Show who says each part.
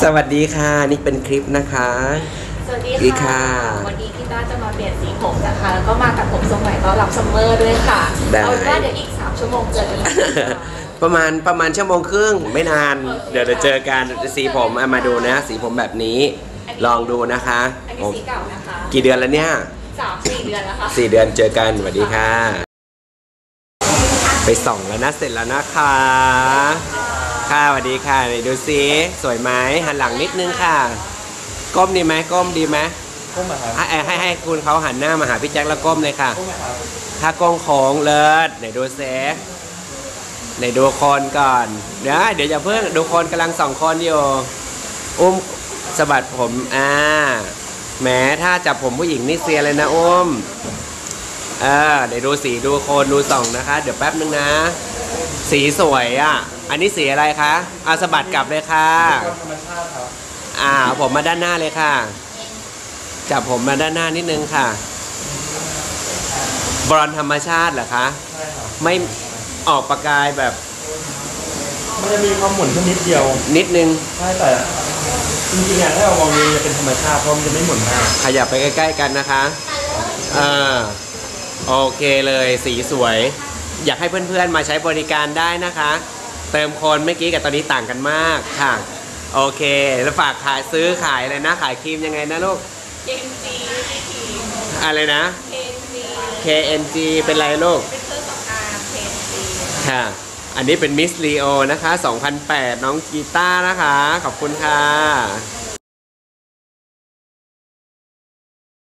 Speaker 1: วัสดีค่ะนี่เป็นคลิปนะคะ
Speaker 2: สวัสดีค่ะวันนี้พี่ต้าจะมาเปลี่ยนสีผมนะคะแล้วก็มาตัดผมทรงใหม่ต้อนรับซัมเมอร์ด้วยค่ะเอาเป็นว่าเดี๋ยวอีก3 ชั่วโมงเจอกัน
Speaker 1: ประมาณชั่วโมงครึ่งไม่นานเดี๋ยวเจอกันสีผมมาดูนะสีผมแบบนี้ลองดูนะคะ
Speaker 2: อันนี้สีเก่านะคะ
Speaker 1: กี่เดือนแล้วเนี่ย
Speaker 2: 3-4 เดือนแล้วค่ะ
Speaker 1: 4 เดือนเจอกันสวัสดีค่ะไปส่องแล้วนะเสร็จแล้วนะคะค่ะสวัสดีค่ะไหนดูซิสวยไหมหันหลังนิดนึงค่ะก้มดีไหมก้มดีไหม
Speaker 3: ก้มครับ
Speaker 1: ให้คุณเขาหันหน้ามาหาพี่แจ็คแล้วก้มเลยค่ะถ้าก้มโค้งเลิศไหนดูเซฟไหนดูคนก่อนเดี๋ยวอย่าเพิ่งดูคนกำลัง2 คนอยู่อุ้มสะบัดผมแหมถ้าจับผมผู้หญิงนี่เสียเลยนะอุ้มเดี๋ยวดูสีดูโคนดูส่องนะคะเดี๋ยวแป๊บนึงนะสีสวยอันนี้สีอะไรคะสะบัดกลับเลยค่ะ
Speaker 3: ธรรมชาติครับ
Speaker 1: ผมมาด้านหน้าเลยค่ะจับผมมาด้านหน้านิดนึงค่ะบรอนธรรมชาติเหรอคะ
Speaker 3: ใช่ครับ
Speaker 1: ไม่ออกประกายแบบ
Speaker 3: มันจะมีความหมุนแค่นิดเดียว
Speaker 1: นิดนึง
Speaker 3: ใช่แต่จริงๆถ้าเรามองดูจะเป็นธรรมชาติเพราะมันจะไม่หมุนมาก
Speaker 1: ขยับไปใกล้ๆกันนะคะโอเคเลยสีสวยอยากให้เพื่อนๆมาใช้บริการได้นะคะเติมโคนเมื่อกี้กับตอนนี้ต่างกันมากค่ะโอเคแล้วฝากขายซื้อขายอะไรนะขายครีมยังไงนะลูก
Speaker 2: KNG
Speaker 1: อะไรนะ KNG เป็นไรลูกเป็นเครื่องสำอาง KNG ค่ะอันนี้เป็นมิสลีโอนะคะ2008น้องกีตาร์นะคะขอบคุณค่ะ